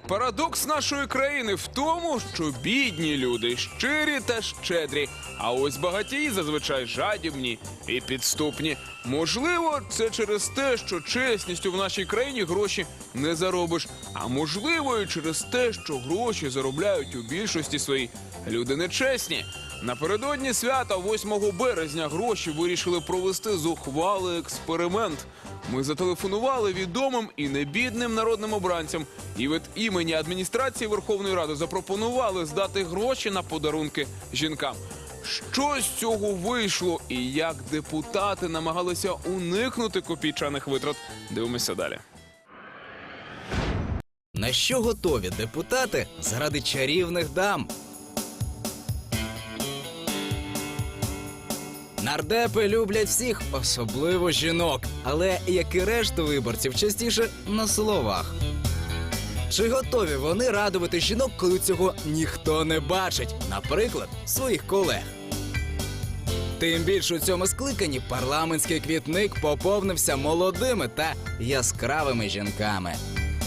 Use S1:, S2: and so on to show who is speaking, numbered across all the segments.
S1: Парадокс нашої країни в тому, що бідні люди щирі та щедрі, а ось багатії зазвичай жадібні і підступні. Можливо, це через те, що чесністю в нашій країні гроші не заробиш, а можливо і через те, що гроші заробляють у більшості своїй люди нечесні. Напередодні свята 8 березня гроші вирішили провести зухвалий експеримент. Ми зателефонували відомим і небідним народним обранцям і від імені адміністрації Верховної Ради запропонували здати гроші на подарунки жінкам. Що з цього вийшло і як депутати намагалися уникнути копійчаних витрат? Дивимося далі.
S2: На що готові депутати заради чарівних дам? Нардепи люблять всіх, особливо жінок, але, як і решту виборців, частіше на словах. Чи готові вони радувати жінок, коли цього ніхто не бачить, наприклад, своїх колег? Тим більше у цьому скликанні парламентський квітник поповнився молодими та яскравими жінками.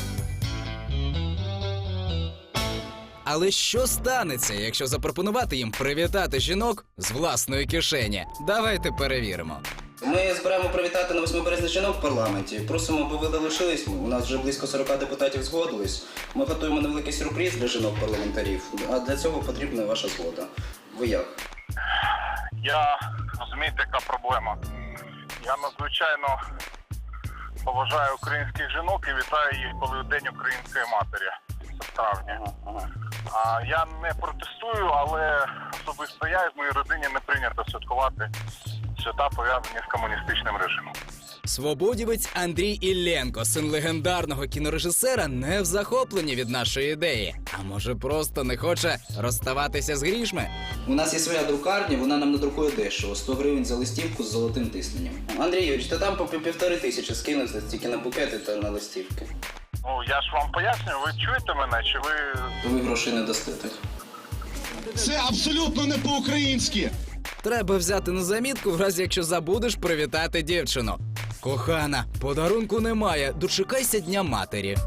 S2: Але що станеться, якщо запропонувати їм привітати жінок з власної кишені? Давайте перевіримо.
S3: Ми збираємо привітати на 8 березня жінок в парламенті. Просимо, аби ви долучились. У нас вже близько 40 депутатів згодились. Ми готуємо невеликий сюрприз для жінок-парламентарів. А для цього потрібна ваша згода. Ви як?
S4: Я, розумієте, яка проблема. Я надзвичайно поважаю українських жінок і вітаю їх, коли День української матері. Це травня. А я не протестую, але особисто я і в моїй родині не прийнято святкувати свята, пов'язані з комуністичним режимом.
S2: Свободівець Андрій Ілленко, син легендарного кінорежисера, не в захопленні від нашої ідеї. А може просто не хоче розставатися з грішми?
S3: У нас є своя друкарня, вона нам надрукує дешево. 100 гривень за листівку з золотим тисненням. Андрій Юрійович, ти там по 1500 скинув тільки на букети та на листівки.
S4: Ну, я ж вам пояснюю, ви чуєте мене, чи ви...
S3: То ви грошей не дасте.
S5: Це абсолютно не по-українськи.
S2: Треба взяти на замітку, в разі якщо забудеш привітати дівчину. Кохана, подарунку немає, дочекайся Дня матері.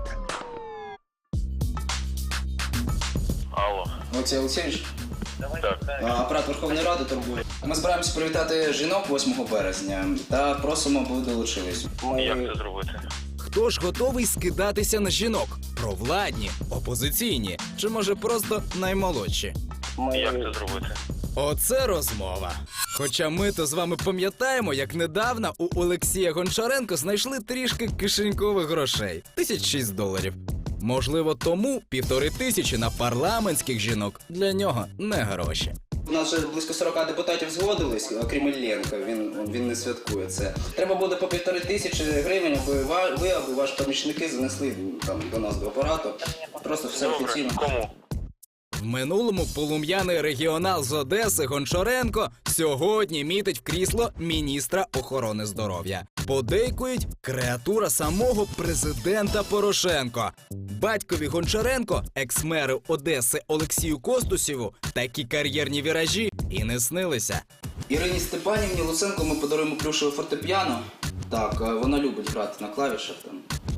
S4: Алло.
S3: Олексій Олексійович?
S4: Так.
S3: Апарат Верховної Ради турбує. Ми збираємося привітати жінок 8 березня та просимо, аби ви долучились.
S4: Як це зробити?
S2: Хто ж готовий скидатися на жінок? Провладні, опозиційні чи, може, просто наймолодші?
S4: Як це зробити?
S2: Оце розмова. Хоча ми-то з вами пам'ятаємо, як недавно у Олексія Гончаренко знайшли трішки кишенькових грошей. $1006. Можливо, тому 1500 на парламентських жінок для нього не гроші.
S3: У нас вже близько 40 депутатів згодились, окрім Ілленка, він не святкує це. Треба буде по 1500 гривень, аби ви або ваші помічники занесли там до нас до апарату. Просто все офіційно.
S4: Кому?
S2: В минулому полум'яний регіонал з Одеси Гончаренко сьогодні мітить в крісло міністра охорони здоров'я. Подейкують креатура самого президента Порошенко. Батькові Гончаренко, екс-меру Одеси Олексію Костусєву, такі кар'єрні віражі і не снилися.
S3: Ірині Степанівні Луценко ми подаруємо плюшеве фортепіано. Так, вона любить грати на клавішах там.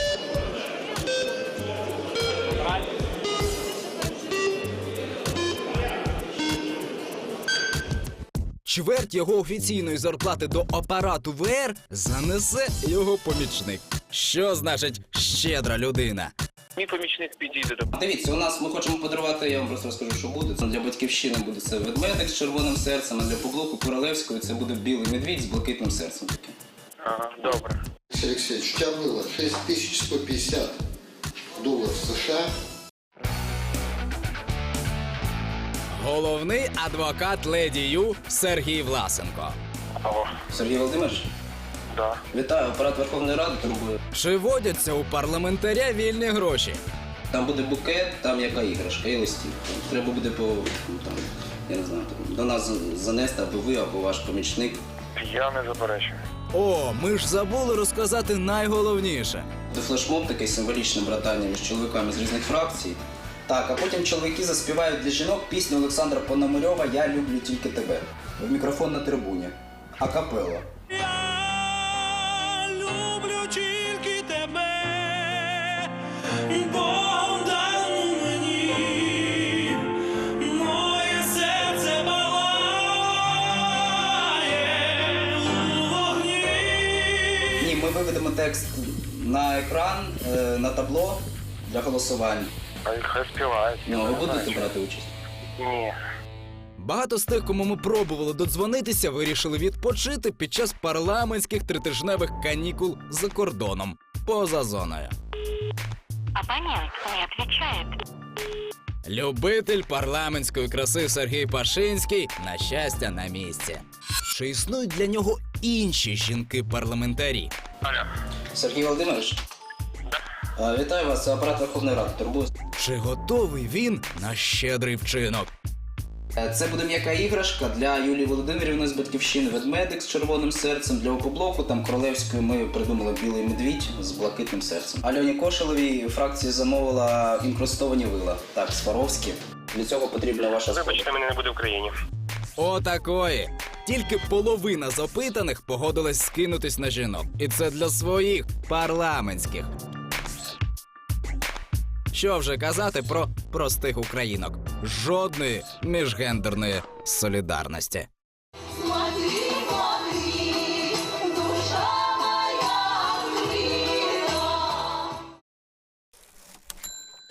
S2: Чверть його офіційної зарплати до апарату ВР занесе його помічник. Що значить щедра людина?
S4: Мій помічник підійде до...
S3: Дивіться, у нас ми хочемо подарувати, я вам просто розкажу, що буде. Для Батьківщини буде це ведмедик з червоним серцем, а для Поблоку Королевської це буде білий медвідь з блакитним серцем таким.
S4: Ага, добре.
S6: Алексей, у тебя было 6150 долларов США.
S2: Головний адвокат Леді Ю Сергій Власенко.
S4: Алло.
S3: Сергій Володимирович?
S4: Да.
S3: Вітаю, апарат Верховної Ради турбує.
S2: Чи водяться у парламентаря вільні гроші?
S3: Там буде букет, там яка іграшка і листівка. Треба буде там, я не знаю, до нас занести або ви, або ваш помічник.
S4: Я не заперечую.
S2: О, ми ж забули розказати найголовніше.
S3: Це флешмоб такий символічне братання між чоловіками з різних фракцій. Так, а потім чоловіки заспівають для жінок пісню Олександра Пономарьова «Я люблю тільки тебе». В мікрофон на трибуні. Акапелла.
S7: Я люблю тільки тебе, Богдан
S3: текст на екран, на табло для голосування.
S4: Хай співають.
S3: Ну, ви будете брати участь?
S4: Ні.
S2: Багато з тих, кому ми пробували додзвонитися, вирішили відпочити під час парламентських тритижневих канікул за кордоном, поза зоною.
S7: Абонент не отвечает.
S2: Любитель парламентської краси Сергій Пашинський, на щастя, на місці. Чи існують для нього інші жінки-парламентарі?
S4: Алло.
S3: Сергій Володимирович? Вітаю вас, це апарат Верховної Ради. Турбую.
S2: Чи готовий він на щедрий вчинок?
S3: Це буде м'яка іграшка для Юлії Володимирівни з «Батьківщини», ведмедик з червоним серцем, для «Опоблоку», там Королевської ми придумали білий медвідь з блакитним серцем. Альоні Кошелевій фракція замовила інкрустовані вила. Так, Сваровські. Для цього потрібна ваша згода.
S4: Вибачте, мене не буде в Україні.
S2: Отакої. Тільки половина з опитаних погодилась скинутись на жінок. І це для своїх парламентських. Що вже казати про простих українок? Жодної міжгендерної солідарності.